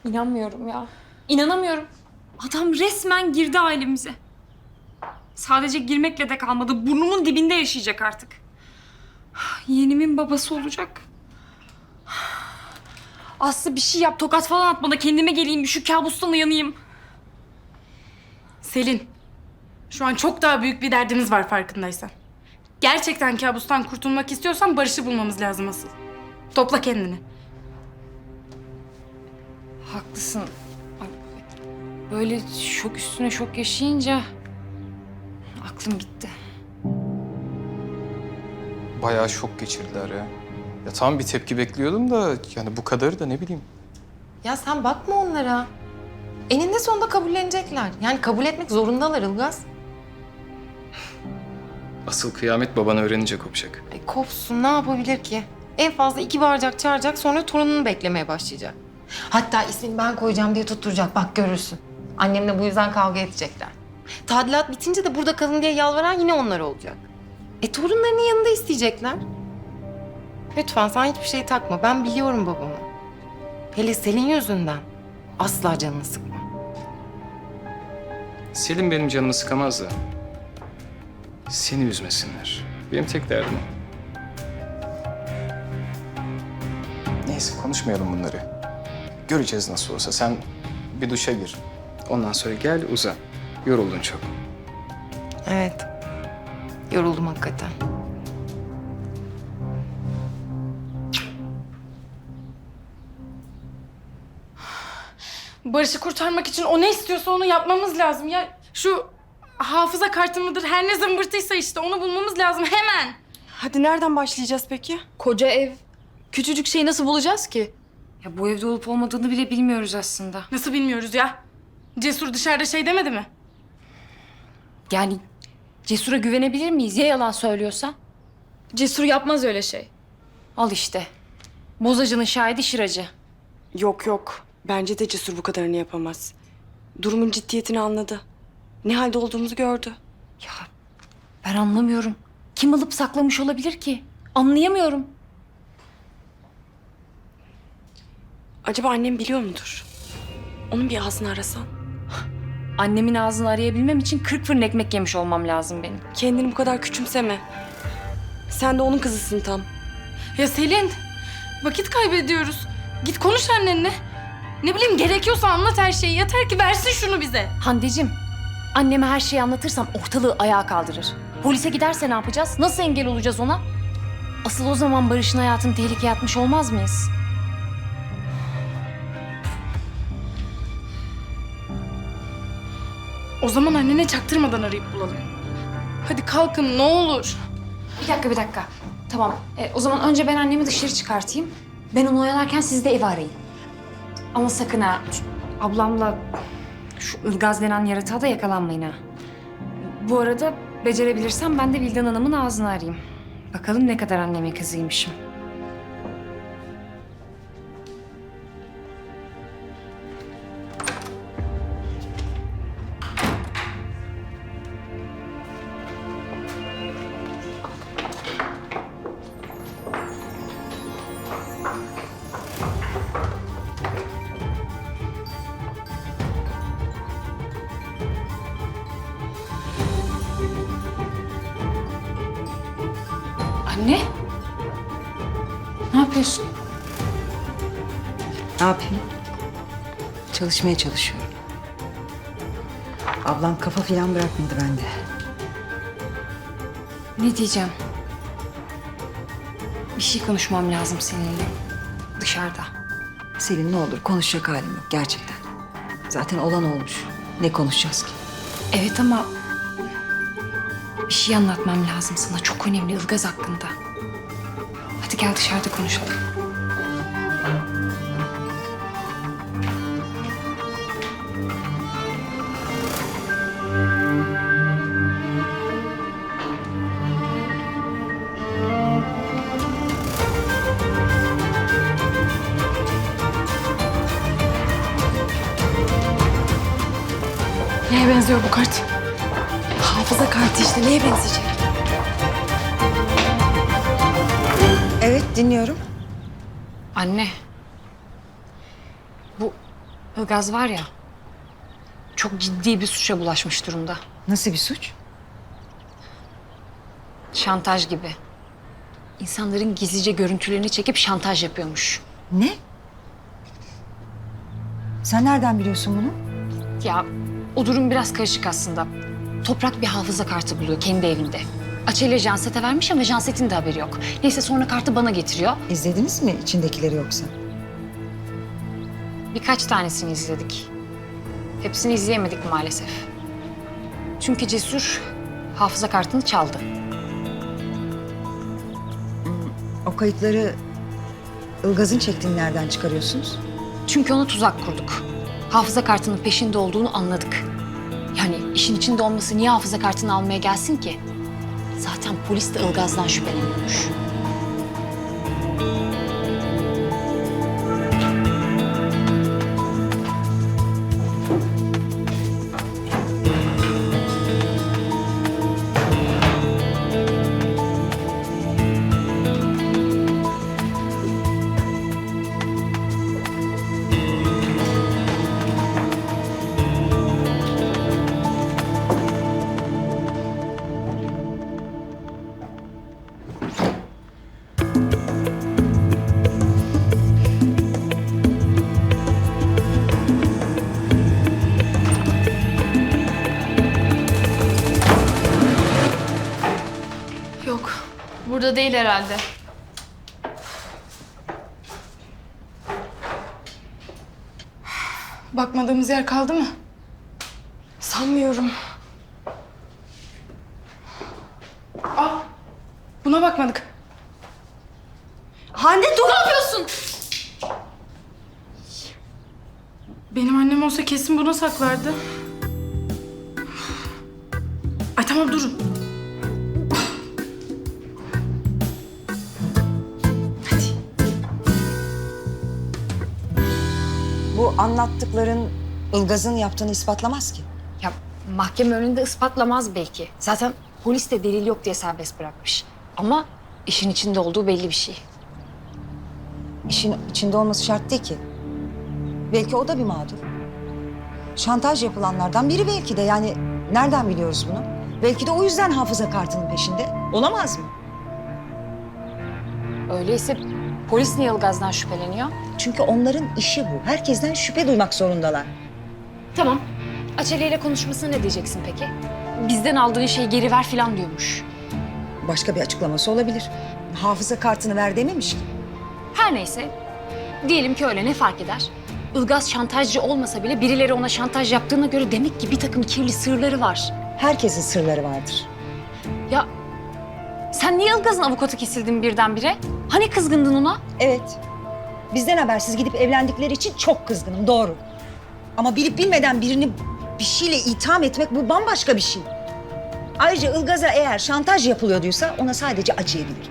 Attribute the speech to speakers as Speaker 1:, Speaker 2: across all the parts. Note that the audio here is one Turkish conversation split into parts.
Speaker 1: İnanmıyorum ya. İnanamıyorum. Adam resmen girdi ailemize. Sadece girmekle de kalmadı. Burnumun dibinde yaşayacak artık. Yeğenimin babası olacak. Aslı bir şey yap. Tokat falan at bana. Kendime geleyim. Şu kabustan uyanayım.
Speaker 2: Selin, şu an çok daha büyük bir derdimiz var farkındaysan. Gerçekten kabustan kurtulmak istiyorsan Barış'ı bulmamız lazım asıl. Topla kendini.
Speaker 1: Haklısın. Ay, böyle şok üstüne şok yaşayınca aklım gitti.
Speaker 3: Bayağı şok geçirdiler ya. Ya tamam bir tepki bekliyordum da yani bu kadarı da ne bileyim.
Speaker 4: Ya sen bakma onlara. Eninde sonunda kabullenecekler. Yani kabul etmek zorundalar Ilgaz.
Speaker 3: Asıl kıyamet baban öğrenince kopacak.
Speaker 4: Ay kopsun, ne yapabilir ki? En fazla 2 bağıracak, çağıracak, sonra torununu beklemeye başlayacak. Hatta ismini ben koyacağım diye tutturacak, bak görürsün. Annemle bu yüzden kavga edecekler. Tadilat bitince de burada kalın diye yalvaran yine onlar olacak. Torunlarının yanında isteyecekler. Lütfen sen hiçbir şey takma, ben biliyorum babamı. Hele Selin yüzünden asla canını sıkma.
Speaker 3: Selim benim canımı sıkamaz da. Seni üzmesinler. Benim tek derdim o. Neyse konuşmayalım bunları. Göreceğiz nasıl olsa. Sen bir duşa gir. Ondan sonra gel uzan. Yoruldun çok.
Speaker 4: Evet, yoruldum hakikaten.
Speaker 2: Barış'ı kurtarmak için o ne istiyorsa onu yapmamız lazım. Ya şu hafıza kartı mıdır, her ne zımbırtıysa işte onu bulmamız lazım hemen.
Speaker 5: Hadi nereden başlayacağız peki?
Speaker 1: Koca ev. Küçücük şeyi nasıl bulacağız ki? Ya bu evde olup olmadığını bile bilmiyoruz aslında.
Speaker 2: Nasıl bilmiyoruz ya? Cesur dışarıda şey demedi mi?
Speaker 1: Yani Cesur'a güvenebilir miyiz ya yalan söylüyorsa?
Speaker 5: Cesur yapmaz öyle şey.
Speaker 1: Al işte. Bozacının şahidi Şıracı.
Speaker 5: Yok yok. Bence de Cesur bu kadarını yapamaz. Durumun ciddiyetini anladı. Ne halde olduğumuzu gördü.
Speaker 1: Ya ben anlamıyorum. Kim alıp saklamış olabilir ki? Anlayamıyorum.
Speaker 5: Acaba annem biliyor mudur? Onun bir ağzını arasan.
Speaker 1: Annemin ağzını arayabilmem için 40 fırın ekmek yemiş olmam lazım benim.
Speaker 5: Kendini bu kadar küçümseme. Sen de onun kızısın tam.
Speaker 2: Ya Selin, vakit kaybediyoruz. Git konuş annenle. Ne bileyim gerekiyorsa anlat her şeyi. Yeter ki versin şunu bize.
Speaker 1: Hande'cim, anneme her şeyi anlatırsam ortalığı ayağa kaldırır. Polise giderse ne yapacağız? Nasıl engel olacağız ona? Asıl o zaman Barış'ın hayatını tehlikeye atmış olmaz mıyız?
Speaker 2: O zaman annene çaktırmadan arayıp bulalım. Hadi kalkın ne olur.
Speaker 1: Bir dakika. Tamam. O zaman önce ben annemi dışarı çıkartayım. Ben onu oyalarken siz de evi arayın. Ama sakın ha, ablamla şu Ilgaz denen yaratığa da yakalanmayın ha. Bu arada becerebilirsem ben de Vildan Hanım'ın ağzını arayayım. Bakalım ne kadar anneme kızıymışım. Anne? Ne yapıyorsun?
Speaker 6: Ne yapayım? Çalışmaya çalışıyorum. Ablam kafa falan bırakmadı bende.
Speaker 1: Ne diyeceğim? Bir şey konuşmam lazım seninle. Dışarıda.
Speaker 6: Selin ne olur konuşacak halim yok gerçekten. Zaten olan olmuş. Ne konuşacağız ki?
Speaker 1: Evet ama bir şey anlatmam lazım sana. Çok önemli Ilgaz hakkında. Hadi gel dışarıda konuşalım.
Speaker 2: Neye benziyor bu kart?
Speaker 5: Hafıza kartı işte neye benzeyecek?
Speaker 6: Evet dinliyorum.
Speaker 1: Anne. Bu Ilgaz var ya, çok ciddi bir suça bulaşmış durumda.
Speaker 6: Nasıl bir suç?
Speaker 1: Şantaj gibi. İnsanların gizlice görüntülerini çekip şantaj yapıyormuş.
Speaker 6: Ne? Sen nereden biliyorsun bunu?
Speaker 1: Ya o durum biraz karışık aslında. Toprak bir hafıza kartı buluyor kendi evinde. Açelya Janset'e vermiş ama Janset'in de haberi yok. Neyse sonra kartı bana getiriyor.
Speaker 6: İzlediniz mi içindekileri yoksa?
Speaker 1: Birkaç tanesini izledik. Hepsini izleyemedik maalesef. Çünkü Cesur hafıza kartını çaldı.
Speaker 6: O kayıtları Ilgaz'ın çektiğini nereden çıkarıyorsunuz?
Speaker 1: Çünkü ona tuzak kurduk. Hafıza kartının peşinde olduğunu anladık. Yani işin içinde olması niye hafıza kartını almaya gelsin ki? Zaten polis de Ilgaz'dan şüpheleniyormuş.
Speaker 2: Yok. Burada değil herhalde. Bakmadığımız yer kaldı mı?
Speaker 5: Sanmıyorum.
Speaker 2: Buna bakmadık.
Speaker 5: Hande dur!
Speaker 2: Ne yapıyorsun? Benim annem olsa kesin buna saklardı. Ay tamam durun.
Speaker 6: Bu anlattıkların Ilgaz'ın yaptığını ispatlamaz ki.
Speaker 1: Ya mahkeme önünde ispatlamaz belki. Zaten polis de delil yok diye serbest bırakmış. Ama işin içinde olduğu belli bir şey.
Speaker 6: İşin içinde olması şart değil ki. Belki o da bir mağdur. Şantaj yapılanlardan biri belki de. Yani nereden biliyoruz bunu? Belki de o yüzden hafıza kartının peşinde. Olamaz mı?
Speaker 1: Öyleyse polis niye Ilgaz'dan şüpheleniyor?
Speaker 6: Çünkü onların işi bu. Herkesten şüphe duymak zorundalar.
Speaker 1: Tamam. Açelya ile konuşmasına ne diyeceksin peki? Bizden aldığın şeyi geri ver falan diyormuş.
Speaker 6: Başka bir açıklaması olabilir. Hafıza kartını ver dememiş ki.
Speaker 1: Her neyse. Diyelim ki öyle, ne fark eder? Ilgaz şantajcı olmasa bile birileri ona şantaj yaptığına göre demek ki bir takım kirli sırları var.
Speaker 6: Herkesin sırları vardır.
Speaker 1: Ya sen niye Ilgaz'ın avukatı kesildin birdenbire? Hani kızgındın ona?
Speaker 6: Evet. Bizden habersiz gidip evlendikleri için çok kızgınım, doğru. Ama bilip bilmeden birini bir şeyle itham etmek bu bambaşka bir şey. Ayrıca Ilgaz'a eğer şantaj yapılıyorduysa ona sadece acıyabilir.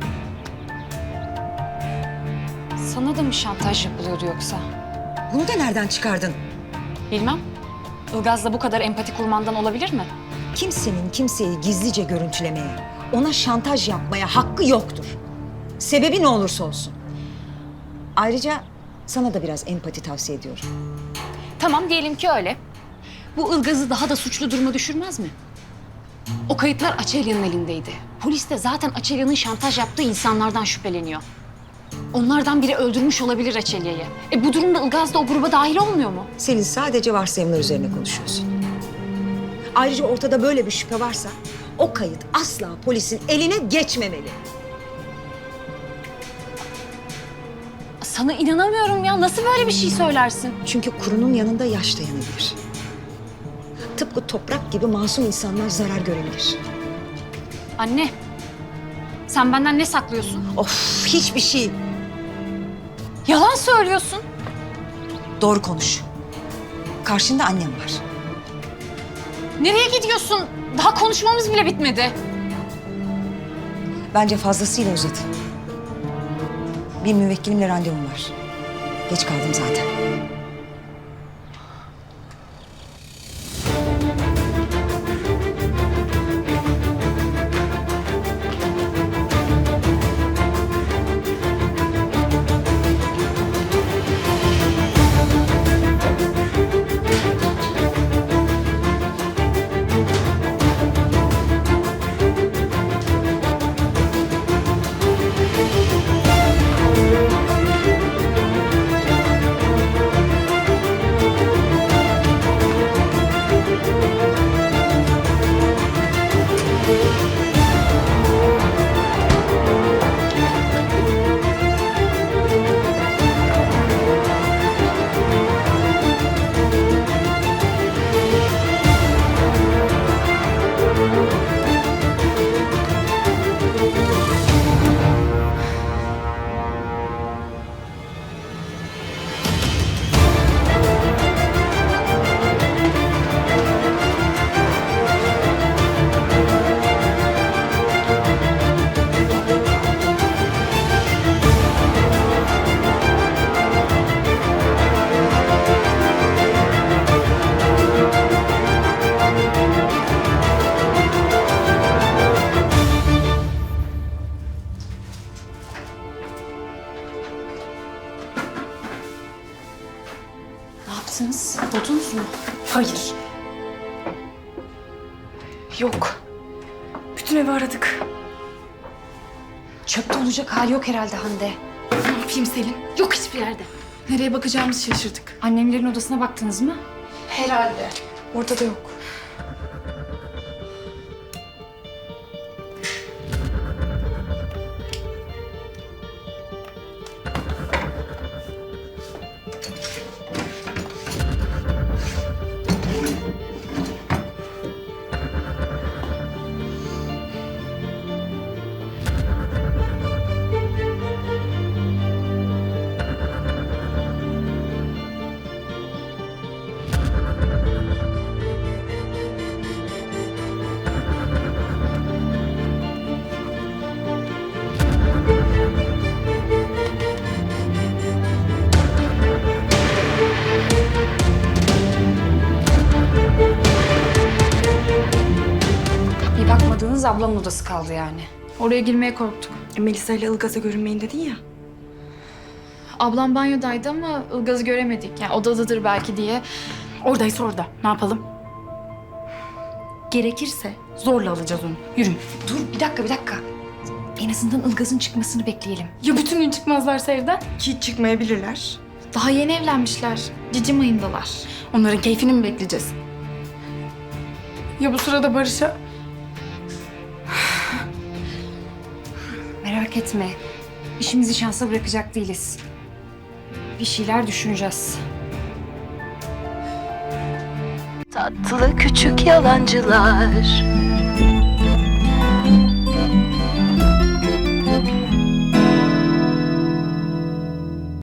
Speaker 1: Sana da mı şantaj yapılıyordu yoksa?
Speaker 6: Bunu da nereden çıkardın?
Speaker 1: Bilmem. Ilgaz'la bu kadar empati kurmandan olabilir mi?
Speaker 6: Kimsenin kimseyi gizlice görüntülemeye, ona şantaj yapmaya hakkı yoktur. Sebebi ne olursa olsun. Ayrıca sana da biraz empati tavsiye ediyorum.
Speaker 1: Tamam, diyelim ki öyle. Bu Ilgaz'ı daha da suçlu duruma düşürmez mi? O kayıtlar Açelya'nın elindeydi. Polis de zaten Açelya'nın şantaj yaptığı insanlardan şüpheleniyor. Onlardan biri öldürmüş olabilir Açelya'yı. Bu durumda Ilgaz da o gruba dahil olmuyor mu?
Speaker 6: Senin sadece varsayımlar üzerine konuşuyorsun. Ayrıca ortada böyle bir şüphe varsa o kayıt asla polisin eline geçmemeli.
Speaker 1: Sana inanamıyorum ya. Nasıl böyle bir şey söylersin?
Speaker 6: Çünkü kurunun yanında yaş dayanabilir. Tıpkı toprak gibi masum insanlar zarar görebilir.
Speaker 1: Anne, sen benden ne saklıyorsun?
Speaker 6: Of, hiçbir şey.
Speaker 1: Yalan söylüyorsun.
Speaker 6: Doğru konuş. Karşında annem var.
Speaker 1: Nereye gidiyorsun? Daha konuşmamız bile bitmedi.
Speaker 6: Bence fazlasıyla uzatın. Bir müvekkilimle randevum var. Geç kaldım zaten.
Speaker 1: yaptınız? Buldunuz mu?
Speaker 5: Hayır. Yok. Bütün evi aradık.
Speaker 1: Çöpte olacak hali yok herhalde Hande.
Speaker 2: Ne yapayım Selin? Yok hiçbir yerde. Nereye bakacağımızı şaşırdık.
Speaker 1: Annemlerin odasına baktınız mı?
Speaker 2: Herhalde.
Speaker 5: Orada da yok.
Speaker 1: Bir bakmadığınız ablamın odası kaldı yani.
Speaker 7: Oraya girmeye korktuk.
Speaker 5: Melisa ile Ilgaz'a görünmeyin dedin ya.
Speaker 7: Ablam banyodaydı ama Ilgaz'ı göremedik. Yani odadadır belki diye.
Speaker 2: Oradaysa orada. Ne yapalım? Gerekirse zorla alacağız onu. Yürü.
Speaker 1: Dur bir dakika. En azından Ilgaz'ın çıkmasını bekleyelim.
Speaker 2: Ya bütün gün çıkmazlarsa evden?
Speaker 5: Ki çıkmayabilirler.
Speaker 7: Daha yeni evlenmişler. Cicim ayındalar.
Speaker 2: Onların keyfini mi bekleyeceğiz? Ya bu sırada Barış'a...
Speaker 1: Merak etme. İşimizi şansa bırakacak değiliz. Bir şeyler düşüneceğiz.
Speaker 8: Tatlı küçük yalancılar